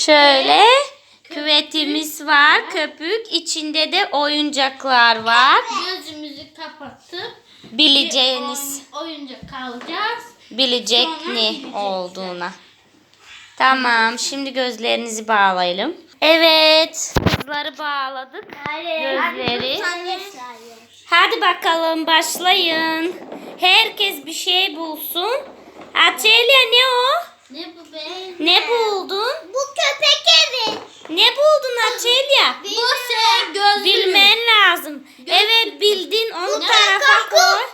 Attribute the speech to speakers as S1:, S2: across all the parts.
S1: Şöyle küvetimiz var. Köpük. İçinde de oyuncaklar var.
S2: Gözümüzü kapatıp
S1: Bileceğiniz.
S2: oyuncak alacağız.
S1: Bilecek
S2: Sonra
S1: ne
S2: bilecekler.
S1: olduğuna. Tamam. Şimdi gözlerinizi bağlayalım. Evet. Kızları bağladık. Gözleri. Hadi bakalım başlayın. Herkes bir şey bulsun. Açelya ne o?
S2: Ne bu be?
S1: Ne buldun?
S3: Bu köpek evi.
S1: Ne buldun Açelya?
S2: Bu şey gözlüğü.
S1: Bilmen lazım. Evet bildin. Onu
S2: Ne?
S1: tarafa
S3: Koku.
S1: koy.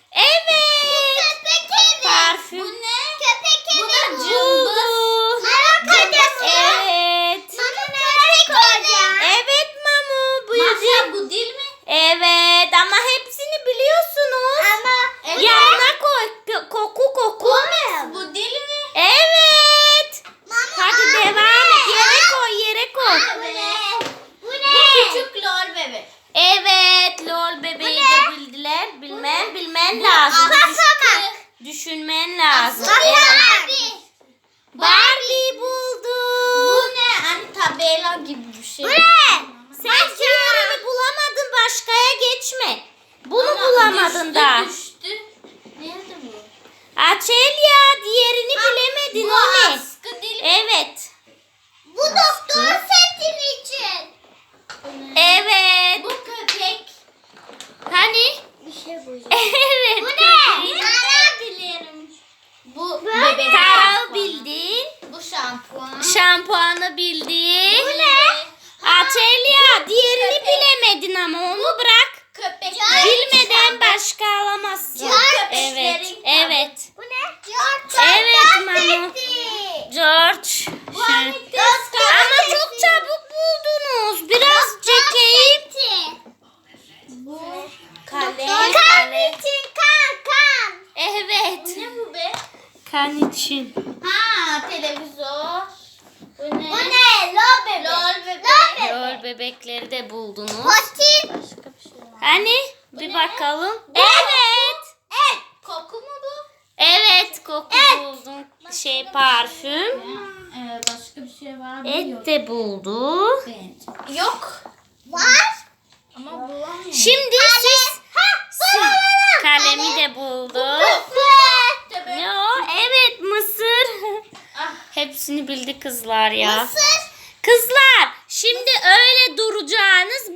S1: Evet.
S3: Köpek evi.
S1: Parfüm.
S2: Bu ne?
S3: Köpek evi.
S2: Bu da
S3: bu.
S1: Buldu.
S3: Merak ediyorsun.
S1: Evet.
S3: Mama köpek evi.
S1: Evet Mamu. Buyurun.
S2: Masya bu değil mi?
S1: Evet ama hepsini biliyorsunuz.
S3: Ama
S2: Evet.
S1: Yanına koy. Koku.
S2: Bu değil mi?
S1: Evet. Hadi devam et. Yere koy.
S3: Bu ne? Bu
S2: Bu
S3: ne?
S2: küçük lor bebek.
S1: Evet. Lol bebeği de bildiler. Bilmen lazım.
S3: Basamak.
S1: Düşünmen lazım.
S2: Basamak.
S1: Evet. Barbie buldu.
S2: Bu ne? Hani tabela gibi bir şey.
S3: Bu ne?
S1: Sen diğerini bulamadın. Başkaya geçme. Bunu
S2: Ama
S1: bulamadın
S2: düştü,
S1: da.
S2: Düştü. Nerede bu?
S1: Açelya diğerini bilemedin.
S2: Bu
S1: O ne?
S2: askı değil mi?
S1: Evet.
S3: Bu doktor setin için.
S2: Bu ne?
S1: Evet.
S2: Bu köpek.
S1: Hani?
S3: Bir şey bulacağım.
S1: Evet.
S3: Bu ne?
S1: köpek.
S2: Nereden bilirim? Bu
S3: ne?
S2: bebek
S1: Tarağı
S2: şampuanı.
S1: bildin.
S2: Bu şampuan.
S1: Şampuanı bildin.
S2: Bu ne?
S1: Açelya diğerini
S2: Köpek.
S1: bilemedin ama onu bırak.
S2: Köpek.
S1: Bilmeden başka alamazsın.
S2: Köpeklerin
S1: Evet.
S2: kitabı.
S1: Evet.
S3: Bu ne? George.
S1: Evet Manu. George.
S2: Bu hani
S1: Ama çok çabuk buldunuz. Biraz çekeyim.
S2: Bu
S1: Kale.
S3: Kan için kan.
S1: Evet.
S2: ne bu be?
S1: Kan için.
S2: Ha, televizyon. Bu ne?
S3: Bu ne? Lo bebek.
S2: Lol bebek.
S1: Rol bebekleri de buldunuz.
S3: Potin.
S2: Başka bir şey var.
S1: Hani? Bir
S2: ne?
S1: bakalım. Evet.
S2: Koku mu bu?
S1: Evet koku buldum. Parfüm.
S2: Başka bir şey var mı?
S1: Et
S2: Yok.
S1: de buldu.
S2: Yok.
S3: Var.
S2: Ama bulamıyorum.
S1: Şimdi siz kalemi de buldu. Ne o? Evet mısır.
S2: Ah.
S1: Hepsini bildi kızlar ya.
S3: Mısır.
S1: Kızlar şimdi öyle duracağınız